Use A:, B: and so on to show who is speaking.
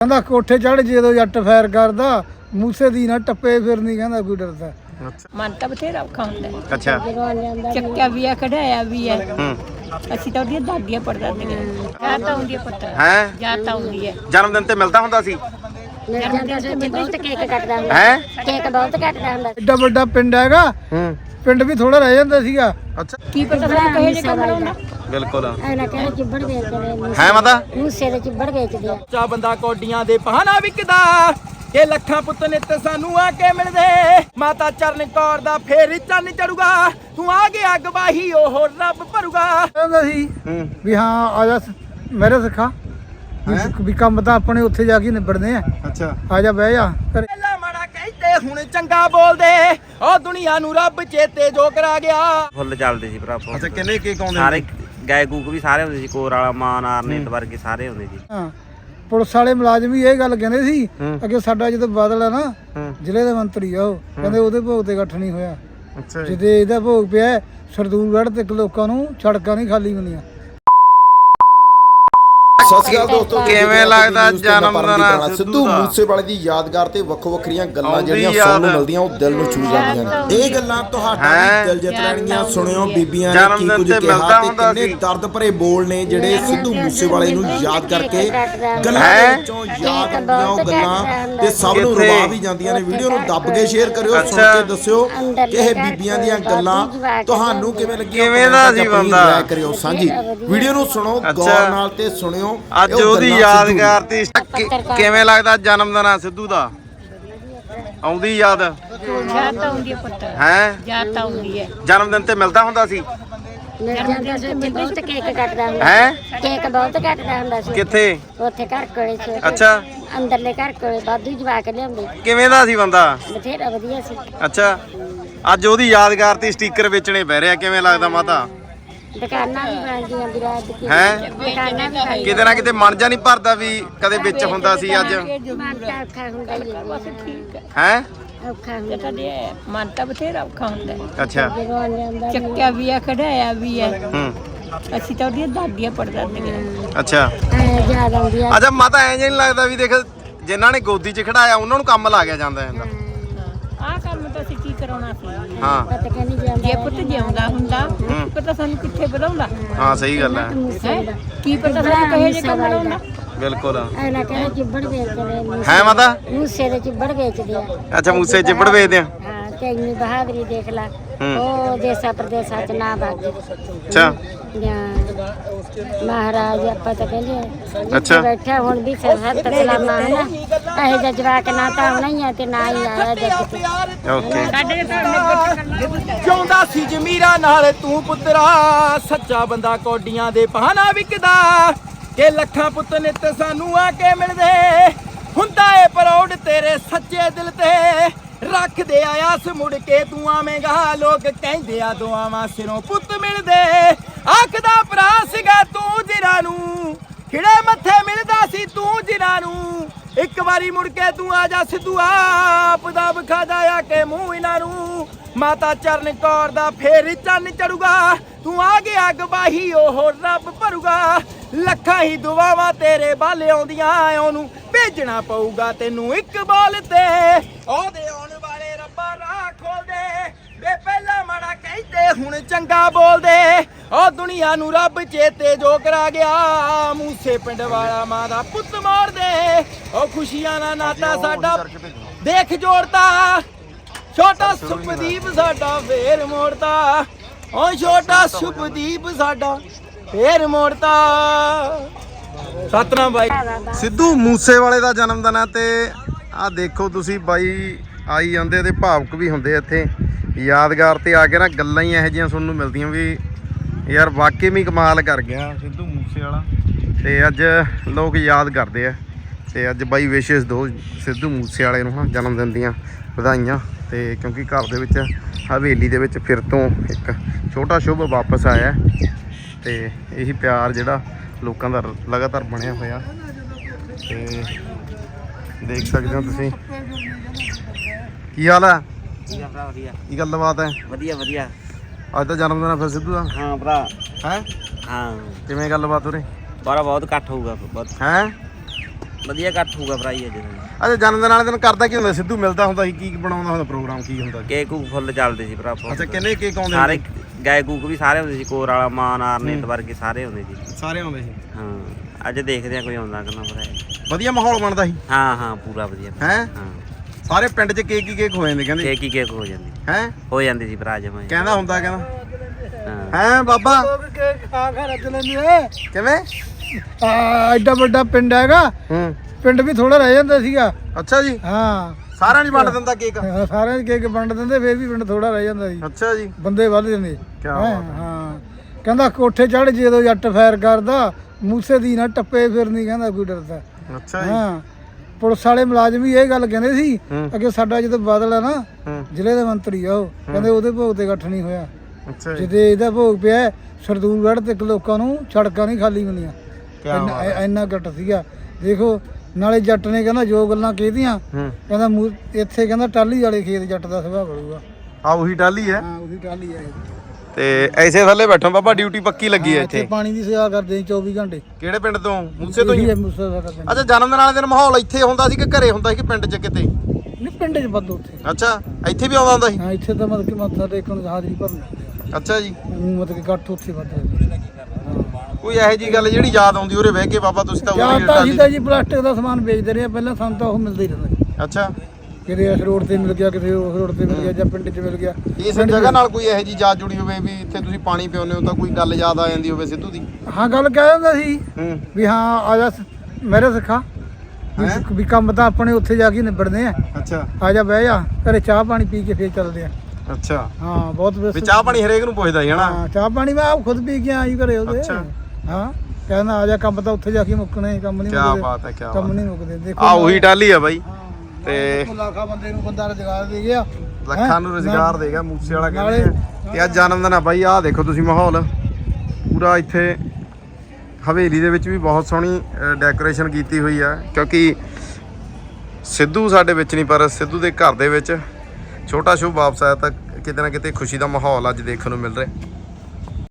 A: ਕਹਿੰਦਾ ਕੋਠੇ ਚੜ੍ਹ ਜਦੋਂ ਜੱਟ ਫੈਰ ਕਰਦਾ ਮੂਸੇ ਦੀ ਨਾ ਟੱਪੇ ਫਿਰਨੀ ਕਹਿੰਦਾ ਕੋਈ ਡਰਦਾ।
B: ਮਨ ਤਾਂ ਬਥੇਰਾ ਔਖਾ ਹੁੰਦਾ।
C: ਅੱਛਾ
B: ਚੱਕਿਆ ਵੀ ਆ ਕਢਾਇਆ ਵੀ ਆ। ਅਸੀਂ ਤਾਂ ਉਹਦੀਆਂ ਦਾਦੀਆਂ ਪੜਦਾਦੀਆਂ ਜਾਂ ਤਾਂ ਆਉਂਦੀ ਹੈ ਪੁੱਤ
C: ਹੈ
B: ਜਾਂ ਤਾਂ ਆਉਂਦੀ ਹੈ।
C: ਜਨਮ ਦਿਨ ਤੇ ਮਿਲਦਾ ਹੁੰਦਾ ਸੀ
D: ਬਹੁਤ ਕੇਕ ਕੱਟਦਾ ਹੁੰਦਾ
C: ਹੈ
D: ਕੇਕ ਬਹੁਤ ਕੱਟਦਾ ਹੁੰਦਾ।
A: ਐਡਾ ਵੱਡਾ ਪਿੰਡ ਹੈਗਾ ਪਿੰਡ ਵੀ ਥੋੜਾ ਰਹਿ ਜਾਂਦਾ ਸੀਗਾ।
C: ਅੱਛਾ
B: ਕੀ ਪਤਾ ਸਾਨੂੰ ਕਹੇ ਜੇ ਕੰਮ ਲਾਉਂਦਾ।
C: ਬਿਲਕੁਲ
D: ਐਨਾ ਕਹਿੰਦੇ ਚਿੱਬੜ ਵੇਚਦੇ
C: ਹੈ ਮਾਤਾ
D: ਮੂਸੇ ਦੇ ਚਿੱਬੜ ਵੇਚਦੇ ਆ।
E: ਚਾ ਬੰਦਾ ਕੋਡੀਆਂ ਦੇ ਪਹਾਨਾ ਵਿਕਦਾ ਇਹ ਲੱਖਾਂ ਪੁੱਤ ਨਿੱਤ ਸਾਨੂੰ ਆ ਕੇ ਮਿਲਦੇ ਮਾਤਾ ਚਰਨ ਕੌਰ ਦਾ ਫੇਰ ਚੰਨ ਚੜੂਗਾ ਤੂੰ ਆ ਗਿਆ ਗਵਾਹੀ ਉਹ ਰੱਬ ਭਰੂਗਾ।
A: ਕਹਿੰਦਾ ਸੀ ਵੀ ਹਾਂ ਆ ਜਾ ਮੇਰੇ ਸਿੱਖਾ ਵੀ ਕੰਮ ਤਾਂ ਆਪਣੇ ਉੱਥੇ ਜਾ ਕੇ ਨਿਬੜਦੇ ਆ।
C: ਅੱਛਾ
A: ਆ ਜਾ ਬਹਿ ਜਾ ਘਰੇ।
E: ਪਹਿਲਾਂ ਮਾੜਾ ਕਹਿੰਦੇ ਹੁਣ ਚੰਗਾ ਬੋਲਦੇ ਉਹ ਦੁਨੀਆ ਨੂੰ ਰੱਬ ਚੇਤੇ ਜੋ ਕਰਾ ਗਿਆ।
F: ਫੁੱਲ ਚੱਲਦੇ ਸੀ ਭਰਾ
C: ਅੱਛਾ ਕਿੰਨੇ ਕੇਕ ਆਉਂਦੇ
F: ਸਾਰੇ ਗਾਇ ਗੂਕ ਵੀ ਸਾਰੇ ਹੁੰਦੇ ਸੀ ਕੋਰ ਵਾਲਾ ਮਾਨ ਆਰਨੇਤ ਵਰਗੇ ਸਾਰੇ ਹੁੰਦੇ ਸੀ।
A: ਹਾਂ ਪੁਲਿਸ ਵਾਲੇ ਮੁਲਾਜ਼ਮ ਵੀ ਇਹ ਗੱਲ ਕਹਿੰਦੇ ਸੀ ਅੱਗੇ ਸਾਡਾ ਜਦੋਂ ਬਾਦਲ ਆ ਨਾ ਜ਼ਿਲ੍ਹੇ ਦੇ ਮੰਤਰੀ ਆ ਉਹ ਕਹਿੰਦੇ ਉਹਦੇ ਭੋਗ ਤੇ ਇਕੱਠ ਨਹੀਂ ਹੋਇਆ।
C: ਅੱਛਾ
A: ਜਿਹਦੇ ਇਹਦਾ ਭੋਗ ਪਿਆ ਸਰਦੂਲਗੜ੍ਹ ਤੇ ਲੋਕਾਂ ਨੂੰ ਸੜਕਾਂ ਨਹੀਂ ਖਾਲੀ ਹੁੰਦੀਆਂ।
G: ਸਤਿ ਸ਼੍ਰੀ ਅਕਾਲ ਦੋਸਤੋ,
C: ਕਿਵੇਂ ਲੱਗਦਾ ਜਨਮ ਦਿਨ
G: ਸਿੱਧੂ ਮੂਸੇਵਾਲੇ ਦੀ ਯਾਦਗਾਰ ਤੇ ਵੱਖੋ ਵੱਖਰੀਆਂ ਗੱਲਾਂ ਜਿਹੜੀਆਂ ਸੁਣਨ ਨੂੰ ਮਿਲਦੀਆਂ ਉਹ ਦਿਲ ਨੂੰ ਛੂ ਜਾਂਦੀਆਂ ਨੇ। ਇਹ ਗੱਲਾਂ ਤੁਹਾਡਾ ਵੀ ਦਿਲ ਜਿੱਤ ਲੈਣਗੀਆਂ। ਸੁਣਿਓ ਬੀਬੀਆਂ ਨੇ ਕੀ ਕੁਝ ਕਿਹਾ ਤੇ ਕਿੰਨੇ ਦਰਦ ਭਰੇ ਬੋਲ ਨੇ ਜਿਹੜੇ ਸਿੱਧੂ ਮੂਸੇਵਾਲੇ ਨੂੰ ਯਾਦ ਕਰਕੇ ਗੱਲਾਂ ਦੇ ਵਿੱਚੋਂ ਯਾਦ ਆਉਂਦੀਆਂ ਉਹ ਗੱਲਾਂ ਤੇ ਸਭ ਨੂੰ ਰਵਾ ਵੀ ਜਾਂਦੀਆਂ ਨੇ। ਵੀਡੀਓ ਨੂੰ ਦੱਬ ਕੇ ਸ਼ੇਅਰ ਕਰਿਓ, ਸੁਣ ਕੇ ਦੱਸਿਓ ਕਿ ਇਹ ਬੀਬੀਆਂ ਦੀਆਂ ਗੱਲਾਂ ਤੁਹਾਨੂੰ ਕਿਵੇਂ ਲੱਗੀਆਂ।
C: ਕਿਵੇਂ ਦਾ ਸੀ ਬੰਦਾ
G: ਰਾਏ ਕਰਿਓ ਸਾਂਝੀ। ਵੀਡੀਓ ਨੂੰ ਸੁਣੋ ਗੌਰ ਨਾਲ ਤੇ ਸੁਣਿਓ।
C: ਅੱਜ ਉਹਦੀ ਯਾਦਗਾਰ ਤੇ ਕਿਵੇਂ ਲੱਗਦਾ ਜਨਮ ਦਿਨ ਆ ਸਿੱਧੂ ਦਾ? ਆਉਂਦੀ ਯਾਦ
B: ਜਾਂ ਤਾਂ ਆਉਂਦੀ ਹੈ ਪੁੱਤ
C: ਹੈ
B: ਜਾਂ ਤਾਂ ਆਉਂਦੀ ਹੈ।
C: ਜਨਮ ਦਿਨ ਤੇ ਮਿਲਦਾ ਹੁੰਦਾ ਸੀ
D: ਬਹੁਤ ਕੇਕ ਕੱਟਦਾ ਹੁੰਦਾ
C: ਹੈ
D: ਕੇਕ ਬਹੁਤ ਕੱਟਦਾ ਹੁੰਦਾ ਸੀ।
C: ਕਿੱਥੇ?
D: ਉੱਥੇ ਘਰ ਕੋਲੇ ਸੀ
C: ਅੱਛਾ
D: ਅੰਦਰਲੇ ਘਰ ਕੋਲੇ ਵਾਧੂ ਜਵਾ ਕੇ ਲਿਆਉਂਦੇ
C: ਕਿਵੇਂ ਦਾ ਸੀ ਬੰਦਾ?
D: ਬਥੇਰਾ ਵਧੀਆ ਸੀ।
C: ਅੱਛਾ ਅੱਜ ਉਹਦੀ ਯਾਦਗਾਰ ਤੇ ਸਟicker ਵੇਚਣੇ ਪੈ ਰਿਹਾ, ਕਿਵੇਂ ਲੱਗਦਾ ਮਾਤਾ?
D: ਦੁਕਾਨਾਂ ਵੀ ਬਣਦੀਆਂ ਵਿਰਾਜ ਦੀ
C: ਹੈ
D: ਦੁਕਾਨਾਂ ਵੀ ਬਣਦੀਆਂ।
C: ਕਿਤੇ ਨਾ ਕਿਤੇ ਮਨ ਜਾ ਨਹੀਂ ਭਰਦਾ ਵੀ ਕਦੇ ਵਿੱਚ ਹੁੰਦਾ ਸੀ ਅੱਜ
D: ਮਨ ਤਾਂ ਔਖਾ ਹੁੰਦਾ ਹੀ ਹੈ।
B: ਠੀਕ ਹੈ
C: ਹੈ
D: ਔਖਾ ਹੁੰਦਾ
B: ਤੁਹਾਡੇ ਮਨ ਤਾਂ ਬਥੇਰਾ ਔਖਾ ਹੁੰਦਾ।
C: ਅੱਛਾ
D: ਜਦੋਂ ਲਿਆਉਂਦਾ
B: ਚੱਕਿਆ ਵੀ ਆ ਕਢਾਇਆ ਵੀ ਆ।
C: ਹੂੰ
B: ਅਸੀਂ ਤਾਂ ਉਹਦੀਆਂ ਦਾਦੀਆਂ ਪੜਦਾਦੀਆਂ
C: ਅੱਛਾ
D: ਯਾਦ ਆਉਂਦੀ ਆ।
C: ਅੱਛਾ ਮਾਤਾ ਐਂ ਨਹੀਂ ਲੱਗਦਾ ਵੀ ਦੇਖ ਜਿਨ੍ਹਾਂ ਨੇ ਗੋਦੀ 'ਚ ਖੜਾਇਆ ਉਹਨਾਂ ਨੂੰ ਕੰਮ ਲਾ ਗਿਆ ਜਾਂਦਾ ਇਹਦਾ?
B: ਆਹ ਕੰਮ ਤਾਂ ਅਸੀਂ ਕੀ ਕਰਾਉਣਾ ਸੀ।
C: ਹਾਂ
D: ਪਤਾ ਕਹਿੰਦੀ ਜਾਂਦਾ
B: ਜੇ ਪੁੱਤ ਜਿਉਂਦਾ ਹੁੰਦਾ ਕੀ ਪਤਾ ਸਾਨੂੰ ਕਿੱਥੇ ਵਧਾਉਂਦਾ।
C: ਹਾਂ ਸਹੀ ਗੱਲ ਹੈ
B: ਹੈਂ? ਕੀ ਪਤਾ ਸਾਨੂੰ ਕਹੇ ਜੇ ਕੰਮ ਲਾਉਂਦਾ।
C: ਬਿਲਕੁਲ
D: ਐਨਾ ਕਹਿੰਦੇ ਚਿੱਬੜ ਵੇਚਦੇ
C: ਹੈ ਮਾਤਾ?
D: ਮੂਸੇ ਦੇ ਚਿੱਬੜ ਵੇਚਦੇ ਆ।
C: ਅੱਛਾ ਮੂਸੇ ਚਿੱਬੜ ਵੇਚਦੇ ਆ।
D: ਹਾਂ ਤੇ ਇੰਨੀ ਬਹਾਦਰੀ ਦੇਖ ਲਾ। ਉਹ ਦੇਸਾਂ ਪ੍ਰਦੇਸਾਂ ਚ ਨਾ ਬਾਗੇ
C: ਅੱਛਾ
D: ਮਹਾਰਾਜ ਆਪਾਂ ਤਾਂ ਕਹਿੰਦੇ
C: ਅੱਛਾ
D: ਬੈਠਾ ਹੁਣ ਵੀ ਸਰਹੱਦ ਸਲਾਮਾ ਹੈ ਨਾ ਇਹ ਜਿਹਾ ਜਵਾਕ ਨਾ ਤਾਂ ਆਉਣਾ ਹੀ ਆ ਤੇ ਨਾ ਹੀ ਆਇਆ ਜੱਗ ਤੇ।
C: ਓਕੇ
E: ਜਿਉਂਦਾ ਸੀ ਜਮੀਰਾ ਨਾਲ ਤੂੰ ਪੁੱਤਰਾ ਸੱਚਾ ਬੰਦਾ ਕੋਡੀਆਂ ਦੇ ਪਹਾਨਾ ਵਿਕਦਾ ਕਿ ਲੱਖਾਂ ਪੁੱਤ ਨਿੱਤ ਸਾਨੂੰ ਆ ਕੇ ਮਿਲਦੇ ਹੁੰਦਾ ਏ ਪਰੌੜ ਤੇਰੇ ਸੱਚੇ ਦਿਲ ਤੇ ਰੱਖਦੇ ਆਸ ਮੁੜ ਕੇ ਤੂੰ ਆਵੇਂਗਾ ਲੋਕ ਕਹਿੰਦੇ ਆ ਦੁਆਵਾਂ ਸਿਰੋਂ ਪੁੱਤ ਮਿਲਦੇ ਆਖਦਾ ਭਰਾ ਸੀਗਾ ਤੂੰ ਜਿਨ੍ਹਾਂ ਨੂੰ ਖਿੜੇ ਮੱਥੇ ਮਿਲਦਾ ਸੀ ਤੂੰ ਜਿਨ੍ਹਾਂ ਨੂੰ ਇੱਕ ਵਾਰੀ ਮੁੜ ਕੇ ਤੂੰ ਆ ਜਾ ਸਿੱਧੂ ਆਪ ਦਾ ਵਿਖਾਦਾ ਆ ਕੇ ਮੂੰਹ ਇਹਨਾਂ ਨੂੰ ਮਾਤਾ ਚਰਨ ਕੌਰ ਦਾ ਫੇਰ ਚੰਨ ਚੜੂਗਾ ਤੂੰ ਆ ਗਿਆ ਗਵਾਹੀ ਉਹ ਰੱਬ ਭਰੂਗਾ ਲੱਖਾਂ ਹੀ ਦੁਆਵਾਂ ਤੇਰੇ ਬਾਲੇ ਆਉਂਦੀਆਂ ਉਹਨੂੰ ਭੇਜਣਾ ਪਊਗਾ ਤੈਨੂੰ ਇੱਕ ਬੋਲ ਤੇ ਉਹਦੇ ਆਉਣ ਵਾਲੇ ਰੱਬਾ ਰਾਹ ਖੋਲਦੇ ਵੇ ਪਹਿਲਾਂ ਮਾੜਾ ਕਹਿੰਦੇ ਹੁਣ ਚੰਗਾ ਬੋਲਦੇ ਉਹ ਦੁਨੀਆ ਨੂੰ ਰੱਬ ਚੇਤੇ ਜੋ ਕਰਾ ਗਿਆ ਮੂਸੇ ਪਿੰਡ ਵਾਲਾ ਮਾਂ ਦਾ ਪੁੱਤ ਮਾਰਦੇ ਉਹ ਖੁਸ਼ੀਆਂ ਦਾ ਨਾਤਾ ਸਾਡਾ ਦੇਖ ਜੋੜਦਾ ਛੋਟਾ ਸੁਪਦੀਪ ਸਾਡਾ ਫੇਰ ਮੋੜਦਾ ਉਹ ਛੋਟਾ ਸੁਪਦੀਪ ਸਾਡਾ ਫੇਰ ਮੋੜਦਾ। ਸਤਨਾਮ ਬਾਈ
C: ਸਿੱਧੂ ਮੂਸੇਵਾਲੇ ਦਾ ਜਨਮ ਦਿਨ ਹੈ ਤੇ ਆਹ ਦੇਖੋ ਤੁਸੀਂ ਬਾਈ ਆਈ ਜਾਂਦੇ ਤੇ ਭਾਵੁਕ ਵੀ ਹੁੰਦੇ ਇੱਥੇ ਯਾਦਗਾਰ ਤੇ ਆ ਕੇ ਨਾ ਗੱਲਾਂ ਹੀ ਇਹੋ ਜਿਹੀਆਂ ਸੁਣਨ ਨੂੰ ਮਿਲਦੀਆਂ ਵੀ ਯਾਰ ਵਾਕਈ ਵੀ ਕਮਾਲ ਕਰ ਗਿਆ ਸਿੱਧੂ ਮੂਸੇਵਾਲਾ ਤੇ ਅੱਜ ਲੋਕ ਯਾਦ ਕਰਦੇ ਆ ਤੇ ਅੱਜ ਬਾਈ ਵਿਸ਼ੇਸ਼ ਦੋ ਸਿੱਧੂ ਮੂਸੇਵਾਲੇ ਨੂੰ ਜਨਮ ਦਿਨ ਦੀਆਂ ਵਧਾਈਆਂ ਤੇ ਕਿਉਂਕਿ ਘਰ ਦੇ ਵਿੱਚ ਹਵੇਲੀ ਦੇ ਵਿੱਚ ਫਿਰ ਤੋਂ ਇੱਕ ਛੋਟਾ ਸ਼ੁਭ ਵਾਪਸ ਆਇਆ ਤੇ ਇਹੀ ਪਿਆਰ ਜਿਹੜਾ ਲੋਕਾਂ ਦਾ ਲਗਾਤਾਰ ਬਣਿਆ ਹੋਇਆ ਤੇ ਦੇਖ ਸਕਦੇ ਹੋ ਤੁਸੀਂ। ਕੀ ਹਾਲ ਹੈ?
F: ਵਧੀਆ
C: ਕੀ ਗੱਲਬਾਤ ਹੈ?
F: ਵਧੀਆ ਵਧੀਆ।
C: ਅੱਜ ਤਾਂ ਜਨਮ ਦਿਨ ਹੈ ਫਿਰ ਸਿੱਧੂ ਦਾ?
F: ਹਾਂ ਭਰਾ
C: ਹੈ
F: ਹਾਂ
C: ਕਿਵੇਂ ਗੱਲਬਾਤ ਉਰੇ?
F: ਬਾਰਾ ਬਹੁਤ ਇਕੱਠ ਹੋਊਗਾ ਬਹੁਤ।
C: ਹੈ
F: ਵਧੀਆ ਇਕੱਠ ਹੋਊਗਾ ਭਰਾਈ ਅੱਜ
C: ਅੱਛਾ ਜਨਮ ਦਿਨ ਵਾਲੇ ਦਿਨ ਕਰਦਾ ਕੀ ਹੁੰਦਾ ਸਿੱਧੂ ਮਿਲਦਾ ਹੁੰਦਾ ਸੀ ਕੀ ਬਣਾਉਂਦਾ ਹੁੰਦਾ ਪ੍ਰੋਗਰਾਮ ਕੀ ਹੁੰਦਾ
F: ਕੇਕ ਕੂਕ ਫੁੱਲ ਚੱਲਦੇ ਸੀ ਭਰਾ
C: ਅੱਛਾ ਕਿੰਨੇ ਕੇਕ ਆਉਂਦੇ
F: ਸਾਰੇ ਗਾਇਕ ਕੂਕ ਵੀ ਸਾਰੇ ਹੁੰਦੇ ਸੀ ਕੋਰ ਵਾਲਾ ਮਾਨ ਆਰਨੇਤ ਵਰਗੇ ਸਾਰੇ ਹੁੰਦੇ ਸੀ
C: ਸਾਰੇ ਆਉਂਦੇ ਸੀ
F: ਹਾਂ ਅੱਜ ਦੇਖਦੇ ਆ ਕੋਈ ਆਉਂਦਾ ਕਿ ਨਾ ਭਰਾ
C: ਵਧੀਆ ਮਾਹੌਲ ਬਣਦਾ ਸੀ
F: ਹਾਂ ਪੂਰਾ ਵਧੀਆ
C: ਹੈ
F: ਹਾਂ
C: ਸਾਰੇ ਪਿੰਡ 'ਚ ਕੇਕ ਹੀ ਕੇਕ ਹੋ ਜਾਂਦੇ ਕਹਿੰਦੇ
F: ਕੇਕ ਹੀ ਕੇਕ ਹੋ ਜਾਂਦੀ
C: ਹੈ
F: ਹੋ ਜਾਂਦੀ ਸੀ ਭਰਾ ਜਮਾ
C: ਕਹਿੰਦਾ ਹੁੰਦਾ ਕਹਿੰਦਾ
F: ਹਾਂ
C: ਹੈ ਬਾਬਾ
A: ਖਾ ਖਾ ਰੱਜ ਲੈਂਦੇ
C: ਕਿਵੇਂ
A: ਐਡਾ ਵੱਡਾ ਪਿੰਡ ਹੈਗਾ
C: ਹੂੰ
A: ਪਿੰਡ ਵੀ ਥੋੜਾ ਰਹਿ ਜਾਂਦਾ ਸੀਗਾ
C: ਅੱਛਾ ਜੀ
A: ਹਾਂ
C: ਸਾਰਿਆਂ ਨਹੀਂ ਵੰਡ ਦਿੰਦਾ ਕੇਕ
A: ਸਾਰਿਆਂ ਦੇ ਕੇਕ ਵੰਡ ਦਿੰਦੇ ਫੇਰ ਵੀ ਪਿੰਡ ਥੋੜਾ ਰਹਿ ਜਾਂਦਾ ਸੀ
C: ਅੱਛਾ ਜੀ
A: ਬੰਦੇ ਵੱਧ ਜਾਂਦੇ
C: ਕਿਆ
A: ਹੈਂ,
C: ਬਾਤ ਹੈ।
A: ਹਾਂ ਕਹਿੰਦਾ ਕੋਠੇ ਚੜ ਜਦੋਂ ਜੱਟ ਫੈਰ ਕਰਦਾ ਮੂਸੇ ਦੀ ਨਾ ਟੱਪੇ ਫਿਰਨੀ ਕਹਿੰਦਾ ਕੋਈ ਡਰਦਾ
C: ਅੱਛਾ ਜੀ
A: ਹਾਂ ਪੁਲਿਸ ਵਾਲੇ ਮੁਲਾਜ਼ਮ ਵੀ ਇਹ ਗੱਲ ਕਹਿੰਦੇ ਸੀ
C: ਹੂੰ।
A: ਅੱਗੇ ਸਾਡਾ ਜਦੋਂ ਬਾਦਲ ਆ ਨਾ
C: ਹੂੰ
A: ਜ਼ਿਲ੍ਹੇ ਦੇ ਮੰਤਰੀ ਆ ਉਹ ਕਹਿੰਦੇ ਉਹਦੇ ਭੋਗ ਤੇ ਇਕੱਠ ਨਹੀਂ ਹੋਇਆ
C: ਅੱਛਾ ਜੀ
A: ਜਿਹਦੇ ਇਹਦਾ ਭੋਗ ਪਿਆ ਸਰਦੂਲਗੜ੍ਹ ਤੇ ਲੋਕਾਂ ਨੂੰ ਸੜਕਾਂ ਨਹੀਂ ਖਾਲੀ ਮਿਲੀਆਂ
C: ਕਿਆ ਬਾਤ ਹੈ।
A: ਇੰਨਾ ਘੱਟ ਸੀਗਾ ਦੇਖੋ ਨਾਲੇ ਜੱਟ ਨੇ ਕਹਿੰਦਾ ਜੋ ਗੱਲਾਂ ਕਹਿਦੀਆਂ
C: ਹੂੰ
A: ਕਹਿੰਦਾ ਇੱਥੇ ਕਹਿੰਦਾ ਟਾਲੀ ਵਾਲੇ ਖੇਤ ਜੱਟ ਦਾ ਸੁਭਾਅ ਬਣੂਗਾ
C: ਆ ਉਹੀ ਟਾਲੀ ਹੈ
A: ਹਾਂ ਉਹਦੀ ਟਾਲੀ ਹੈ
C: ਤੇ ਐਸੇ ਥੱਲੇ ਬੈਠੋ ਬਾਬਾ ਡਿਊਟੀ ਪੱਕੀ ਲੱਗੀ ਹੈ ਇੱਥੇ
A: ਪਾਣੀ ਦੀ ਸੇਵਾ ਕਰਦੇ ਸੀ 24 ਘੰਟੇ
C: ਕਿਹੜੇ ਪਿੰਡ ਤੋਂ ਮੂਸੇ ਤੋਂ ਹੀ
A: ਇਹੀ ਹੈ ਮੂਸੇ ਦਾ ਪਿੰਡ।
C: ਅੱਛਾ ਜਨਮ ਦਿਨ ਵਾਲੇ ਦਿਨ ਮਾਹੌਲ ਇੱਥੇ ਹੁੰਦਾ ਸੀ ਕਿ ਘਰੇ ਹੁੰਦਾ ਸੀ ਕਿ ਪਿੰਡ 'ਚ ਕਿਤੇ
A: ਨਹੀਂ ਪਿੰਡ 'ਚ ਵੱਧ ਉੱਥੇ
C: ਅੱਛਾ ਇੱਥੇ ਵੀ ਆਉਂਦਾ ਹੁੰਦਾ ਸੀ
A: ਹਾਂ ਇੱਥੇ ਤਾਂ ਮਤਲਬ ਕਿ ਮੱਥਾ ਟੇਕਣ ਨੂੰ ਹਾਜ਼ਰੀ ਭਰਨੀ
C: ਅੱਛਾ ਜੀ
A: ਮਤਲਬ ਕਿ ਇਕੱਠ ਉੱਥੇ ਵੱਧ ਹੈ
C: ਕੋਈ ਇਹੋ ਜੀ ਗੱਲ ਜਿਹੜੀ ਯਾਦ ਆਉਂਦੀ ਉਰੇ ਬਹਿ ਕੇ ਬਾਬਾ ਤੁਸੀਂ ਤਾਂ
A: ਜਾਂ
C: ਉਰੇ
A: ਤਾਂ ਅਸੀਂ
C: ਟਾਲੀ
A: ਤਾਂ ਜੀ ਪਲਾਸਟਿਕ ਦਾ ਸਮਾਨ ਵੇਚਦੇ ਰਹੇ ਆ, ਪਹਿਲਾਂ ਸਾਨੂੰ ਤਾਂ ਉਹ ਮਿਲਦਾ ਹੀ ਰਹਿੰਦਾ ਸੀ।
C: ਅੱਛਾ
A: ਕਿਤੇ ਇਸ ਰੋਡ ਤੇ ਮਿਲ ਗਿਆ ਕਿਤੇ ਉਸ ਰੋਡ ਤੇ ਮਿਲ ਗਿਆ ਜਾਂ ਪਿੰਡ 'ਚ ਮਿਲ ਗਿਆ
C: ਇਸ ਜਗ੍ਹਾ ਨਾਲ ਕੋਈ ਇਹੋ ਜੀ ਯਾਦ ਜੁੜੀ ਹੋਵੇ ਵੀ ਇੱਥੇ ਤੁਸੀਂ ਪਾਣੀ ਪਿਉਂਦੇ ਹੋ ਤਾਂ ਕੋਈ ਗੱਲ ਯਾਦ ਆ ਜਾਂਦੀ ਹੋਵੇ ਸਿੱਧੂ ਦੀ
A: ਹਾਂ ਗੱਲ ਕਹਿ ਦਿੰਦਾ ਸੀ
C: ਹੂੰ
A: ਵੀ ਹਾਂ ਆ ਜਾ ਮੇਰੇ ਸਿੱਖਾ ਵੀ ਕੰਮ ਤਾਂ ਆਪਣੇ ਉੱਥੇ ਜਾ ਕੇ ਨਿਬੜਦੇ ਆ
C: ਅੱਛਾ
A: ਆ ਜਾ ਬਹਿ ਜਾ ਘਰੇ ਚਾਹ ਪਾਣੀ ਪੀ ਕੇ ਫੇਰ ਚੱਲਦੇ ਆ
C: ਅੱਛਾ
A: ਹਾਂ ਬਹੁਤ
C: ਵੀ ਚਾਹ ਪਾਣੀ ਹਰੇਕ ਨੂੰ ਪੁੱਛਦਾ ਹੀ ਹਨਾ
A: ਹਾਂ ਚਾਹ ਪਾਣੀ ਮੈਂ ਆਪ ਖੁਦ ਪੀ ਕੇ ਆਈ ਘਰੇ ਉਹਦੇ
C: ਅੱਛਾ।
A: ਹਾਂ ਕਹਿੰਦਾ ਆ ਜਾ ਕੰਮ ਤਾਂ ਉੱਥੇ ਜਾ ਕੇ ਮੁੱਕਣੇ ਕੰਮ ਨਹੀਂ
C: ਕੀ
A: ਮੁੱਕਦੇ
C: ਬਾਤ ਹੈ ਕੀ
A: ਕੰਮ
C: ਬਾਤ
A: ਨਹੀਂ ਮੁੱਕਦੇ ਦੇਖੋ
C: ਆ ਉਹੀ ਟਾਲੀ ਆ ਬਾਈ ਤੇ
A: ਲੱਖਾਂ ਬੰਦੇ ਨੂੰ ਬੰਦਾ ਰੁਜ਼ਗਾਰ ਦੇ ਗਿਆ
C: ਲੱਖਾਂ ਨੂੰ ਰੁਜ਼ਗਾਰ ਦੇਗਾ ਮੂਸੇ ਵਾਲਾ ਕਹਿੰਦੇ ਆ। ਤੇ ਅੱਜ ਜਨਮ ਦਿਨ ਆ ਬਾਈ ਆਹ ਦੇਖੋ ਤੁਸੀਂ ਮਾਹੌਲ ਪੂਰਾ ਇੱਥੇ ਹਵੇਲੀ ਦੇ ਵਿੱਚ ਵੀ ਬਹੁਤ ਸੋਹਣੀ ਡੈਕੋਰੇਸ਼ਨ ਕੀਤੀ ਹੋਈ ਆ ਕਿਉਂਕਿ ਸਿੱਧੂ ਸਾਡੇ ਵਿੱਚ ਨਹੀਂ ਪਰ ਸਿੱਧੂ ਦੇ ਘਰ ਦੇ ਵਿੱਚ ਛੋਟਾ ਸ਼ੁਭ ਵਾਪਸ ਆਇਆ ਤਾਂ ਕਿਤੇ ਨਾ ਕਿਤੇ ਖੁਸ਼ੀ ਦਾ ਮਾਹੌਲ ਅੱਜ ਦੇਖਣ ਨੂੰ ਮਿਲ ਰਿਹਾ